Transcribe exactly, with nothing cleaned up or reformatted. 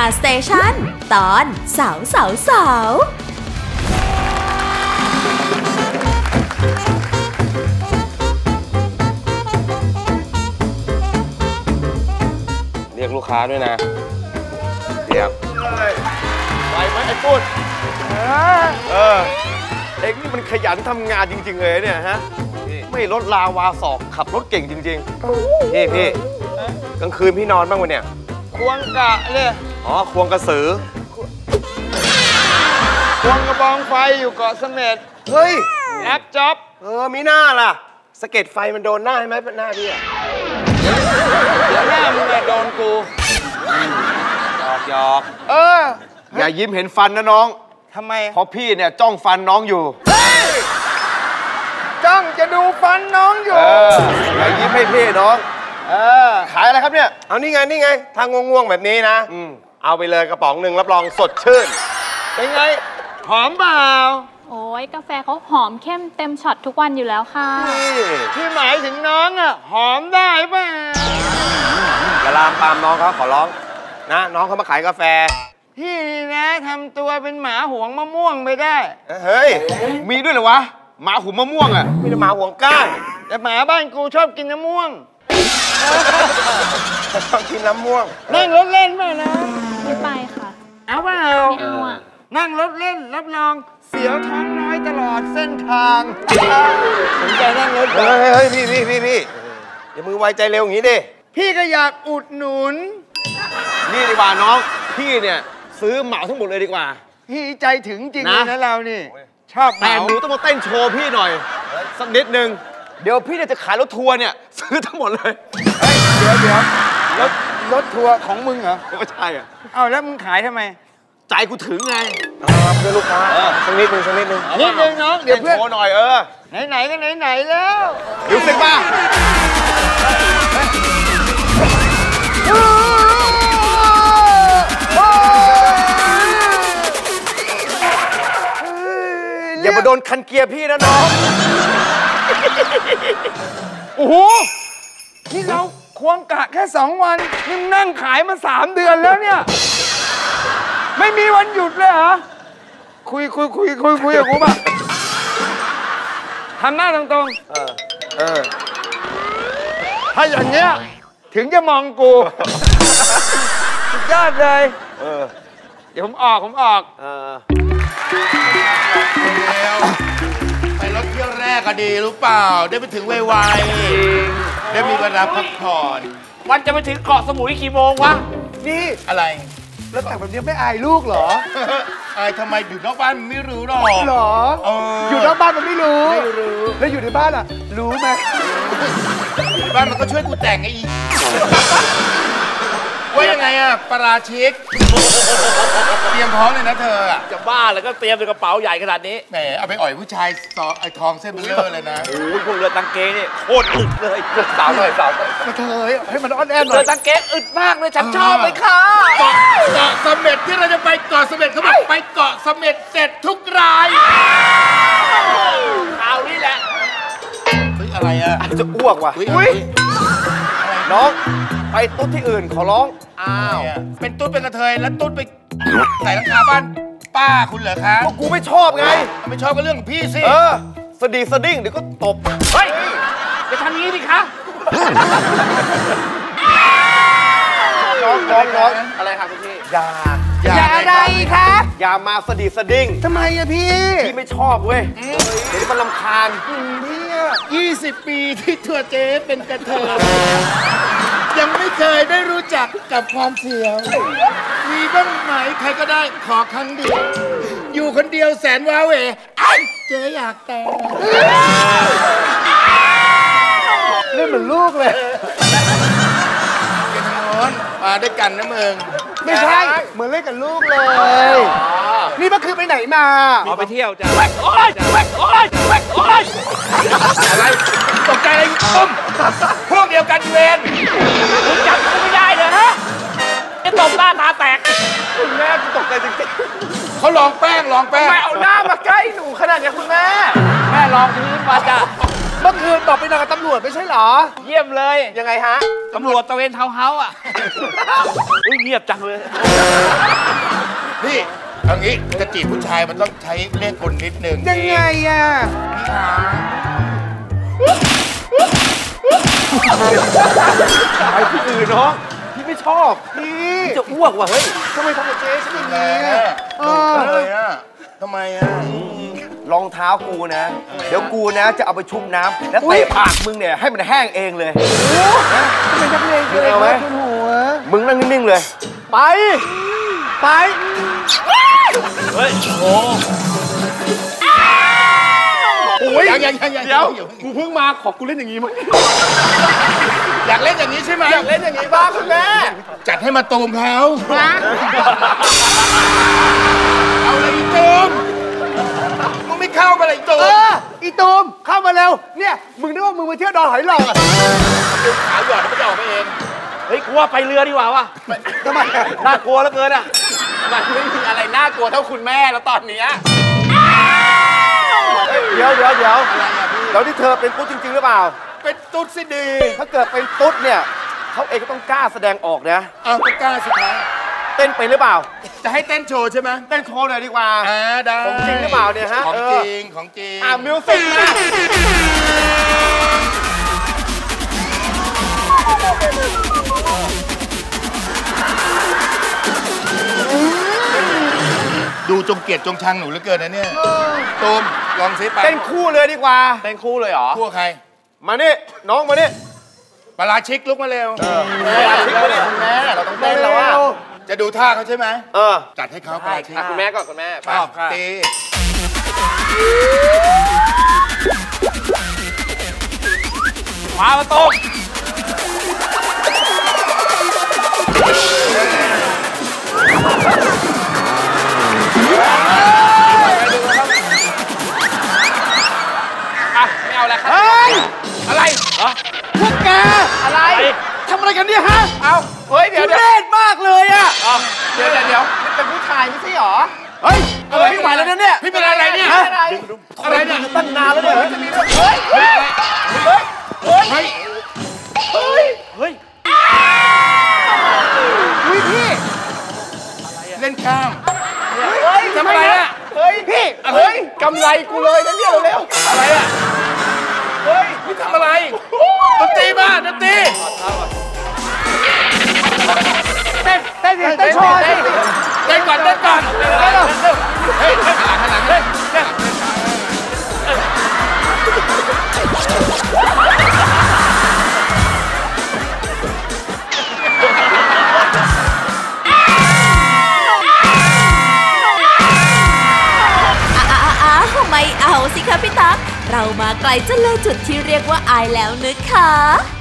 สเตชันตอนสาวสาวสาวเรียกลูกค้าด้วยนะเรียกไปไหมไอ้ปุ้นเออเอ็งนี่มันขยันทำงานจริงๆเลยเนี่ยฮะไม่ลดลาวาศอกขับรถเก่งจริงๆพี่พี่กลางคืนพี่นอนบ้างวะเนี่ยควงกะเลยอ๋อควงกระสือควงกระบองไฟอยู่เกาะเสม็ดเฮ้ยรับจ็อบเออมีหน้าล่ะสะเก็ดไฟมันโดนหน้าใช่ไหมหน้าพี่อะเดี๋ยวหน้ามึงโดนกูหยอกหยอกเอออย่ายิ้มเห็นฟันนะน้องทำไมเพราะพี่เนี่ยจ้องฟันน้องอยู่จ้องจะดูฟันน้องอยู่อย่ายิ้มให้พี่น้องเออขายอะไรครับเนี่ยเอานี่ไงนี่ไงทางง่วงๆแบบนี้นะเอาไปเลยกระป๋องหนึ่งรับรองสดชื่นเป็นไงหอมเปล่าโอ้ยกาแฟเขาหอมเข้มเต็มช็อตทุกวันอยู่แล้วค่ะที่หมายถึงน้องอ่ะหอมได้ป่ะอย่าลามปามน้องเขาขอร้องนะน้องเขามาขายกาแฟพี่นี่นะทำตัวเป็นหมาหวงมะม่วงไม่ได้เฮ้ยมีด้วยเหรอวะหมาหุมมะม่วงอ่ะมีแต่หมาหวงก้านแต่หมาบ้านกูชอบกินน้ำม่วงชอบกินน้ำม่วงนั่งรถเล่นป่ะนะไม่ไปค่ะเอาเปล่าไม่เอาอ่ะนั่งรถเล่นรับรองเสียวท้องน้อยตลอดเส้นทางสนใจนั่งรถเฮ้ยเฮ้ยพี่พี่พี่พี่อย่ามือไวใจเร็วอย่างนี้ดิพี่ก็อยากอุดหนุนนี่ดีกว่าน้องพี่เนี่ยซื้อเหมาทั้งหมดเลยดีกว่าพี่ใจถึงจริงเลยนะเรานี่ชอบแต่หนูต้องมาเต้นโชว์พี่หน่อยสักนิดนึงเดี๋ยวพี่จะขายรถทัวร์เนี่ยซื้อทั้งหมดเลยเฮ้ยเดี๋ยวเดี๋ยวรถรถทัวร์ของมึงเหรอไม่ใช่อ่ะเอาแล้วมึงขายทำไมใจกูถึงไงเพื่อลูกค้าสักนิดนึงสักนิดนึงนิดนึงน้องเดี๋ยวเพื่อนโชว์หน่อยเออไหนๆก็ไหนๆแล้วดูสิบ้าอย่ามาโดนคันเกียร์พี่นะน้องโอ้โหนี่เราควงกะแค่สองวันนี่นั่งขายมาสามเดือนแล้วเนี่ยไม่มีวันหยุดเลยเหรอคุยคุยคุยคุยคุยกับกูป่ะทำหน้าตรงๆเออเออถ้าอย่างเงี้ยถึงจะมองกูสุดยอดเลยเออเดี๋ยวผมออกผมออกเออไปรถเที่ยวแรกก็ดีรู้เปล่าได้ไปถึงไวๆได้มีเวลาพักผ่อนวันจะไปถึงเกาะสมุยกี่โมงวะนี่อะไรแล้วแต่แบบนี้ไม่อายลูกเหรออายทำไมอยู่นอกบ้านมันไม่รู้หรอกหรออยู่นอกบ้านมันไม่รู้ไม่รู้แล้วอยู่ในบ้านอ่ะรู้ไหมในบ้านมันก็ช่วยกูแต่งไงอีว่ายังไงอะปราชิกเตรียมพร้อมเลยนะเธออะจะบ้าแล้วก็เตรียมในกระเป๋าใหญ่ขนาดนี้แหมเอาไปอ่อยผู้ชายซอไอ้ทองเส้นเบลอเลยนะโอ้ยพวกเรือตังเกนี่โคตรอึดเลยสาวหน่อยสาวมาเธอให้มันอ่อนแอหน่อยเรือตังเกอึดมากเลยฉันชอบเลยค่ะเกาะเกาะเสม็ดที่เราจะไปเกาะเสม็ดเขาบอกไปเกาะเสม็ดเสร็จทุกรายข่าวนี้แหละเฮ้ยอะไรอะจะอ้วกว่ะอุ้ยน้องไปตุ๊ดที่อื่นขอร้องอ้าวเป็นตุ๊ดเป็นกระเทยแล้วตุ๊ดไปใส่ราคาบ้านป้าคุณเหรอคะก็กูไม่ชอบไงไม่ชอบก็เรื่องของพี่สิเออสดีสดิ้งเดี๋ยวก็ตบเฮ้ยจะทำงี้ดิคะน้องน้องน้องอะไรครับคุณพี่อย่าอย่าอะไรคะอย่ามาสดีสดิ้งทำไมอะพี่พี่ไม่ชอบเว้ยเดี๋ยวมันรำคาญพี่ยี่สิบปีที่ตัวเจ๊เป็นกระเทยยังไม่เคยได้รู้จักกับความเสียวมีบ้างไหมใครก็ได้ขอครั้งเดียวอยู่คนเดียวแสนว้าเหวไอ้เจ๊อยากแต่งเล่นเหมือนลูกเลยกันทางโน้นมาด้วยกันนะมึงไม่ใช่เหมือนเล่นกับลูกเลยนี่เมื่อคืนไปไหนมาเอาไปเที่ยวจ้ะโอ๊ยโอ๊ยโอ๊ยโอ๊ยอะไรตกใจอะไรต้มพวกเดียวกันเวรมึงจับกูไม่ได้เลยฮะจะตบหน้าตาแตกคุณแม่ตกใจจริงๆเขาลองแป้งลองแป้งไม่เอาหน้ามาใกล้หนูขนาดนี้คุณแม่แม่ลองพื้นมาจ้ะเมื่อคืนบอกไปนอนกับตำรวจไม่ใช่เหรอเยี่ยมเลยยังไงฮะตำรวจตะเวนเท้าเฮาอ่ะอุ้ยเงียบจังเลยนี่เอางี้จะจีบผู้ชายมันต้องใช้เลขกลนิดนึงยังไงอ่ะไปที่อื่นเนาะพี่ไม่ชอบพี่จะอ้วกว่ะเฮ้ยทำไมทำกับเจ๊ฉันอย่างแหมนี้ดุจังเลยอ่ะทำไมอ่ะรองเท้ากูนะ เดี๋ยวกูนะจะเอาไปชุบน้ำแล้วเตะปากมึงเนี่ยให้มันแห้งเองเลยทำไมนักเลงเลยเอาไหมมึงนั่งนิ่งๆเลยไปไปเฮ้ยโอ้โหยังยังยังยังเดี๋ยวกูเพิ่งมาขอบกูเล่นอย่างนี้มั้งอยากเล่นอย่างนี้ใช่ไหมอยากเล่นอย่างนี้บ้างคุณแม่จัดให้มาตูมเขาเอาเลยอีตูมมึงไม่เข้ามาเลยอีตูมเอออีตูมเข้ามาเร็วเนี่ยมึงนึกว่ามึงมาเที่ยวดอนหอยหลอดขาหยอดมันจะออกมาเองเฮ้ยกูว่าไปเรือดีกว่าวะทำไมน่ากลัวเหลือเกินอ่ะมันไม่มีอะไรน่ากลัวเท่าคุณแม่แล้วตอนนี้เดี๋ยวเดี๋ยวเดี๋ยวแล้วที่เธอเป็นตุ๊ดจริงๆหรือเปล่าเป็นตุ๊ดสิดีถ้าเกิดเป็นตุ๊ดเนี่ยเขาเองก็ต้องกล้าแสดงออกนะเอาก็กล้าสิครับเต้นเป็นหรือเปล่าจะให้เต้นโชว์ใช่ไหมเต้นโชว์หน่อยดีกว่าอ่าได้ของจริงหรือเปล่าเนี่ยฮะของเอจอริงของจริงอ่ามิวสิกมาดูจงเกลียดจงชังหนูเหลือเกินนะเนี่ยตูมลองซิไปเต้นคู่เลยดีกว่าเต้นคู่เลยเหรอคู่ใครมานี่น้องมานี่ปลาชิกลุกมาเร็วแม่แม่เราต้องเต้นแล้วอ่ะจะดูท่าเขาใช่ไหมเออจัดให้เขาปลาชิกอ่ะคุณแม่ก่อนคุณแม่ชอบค่ะตีมามาต้มอ่ะไม่เอาแล้วครับเฮ้ยอะไรเหรอพวกแกอะไรทำอะไรกันเนี่ยฮะเอาเฮ้ย เดี๋ยวทุเดี๋ยวเรศมากเลยอ่ะเอาเดี๋ยวเดี๋ยวเดี๋ยวเป็นผู้ชายไม่ใช่หรอเฮ้ยอะไรไม่ไหวแล้วนะเนี่ยพี่เป็นอะไรเนี่ยฮะอะไรเนี่ยตั้งนานแล้วเนี่ยเฮ้ยเฮ้ยเฮ้ยเฮ้ยเฮ้ยเฮ้ยพี่เล่นกล้ามเฮ้ยทำอะไรอะเฮ้ยพี่ เฮ้ยกำไรกูเลยนะเนี่ยเร็วอะไรอ่ะเฮ้ยพี่ทำอะไรดนตรีมาดนตรีเต้นเต้นเต้นโชว์เต้นก่อนเต้นก่อนเฮ้ยข้างหลังข้างหลังเฮ้ยอ้าวไม่เอาสิคะพี่ตั๊กเรามาไกลจนเลยจุดที่เรียกว่าอายแล้วนึกค่ะ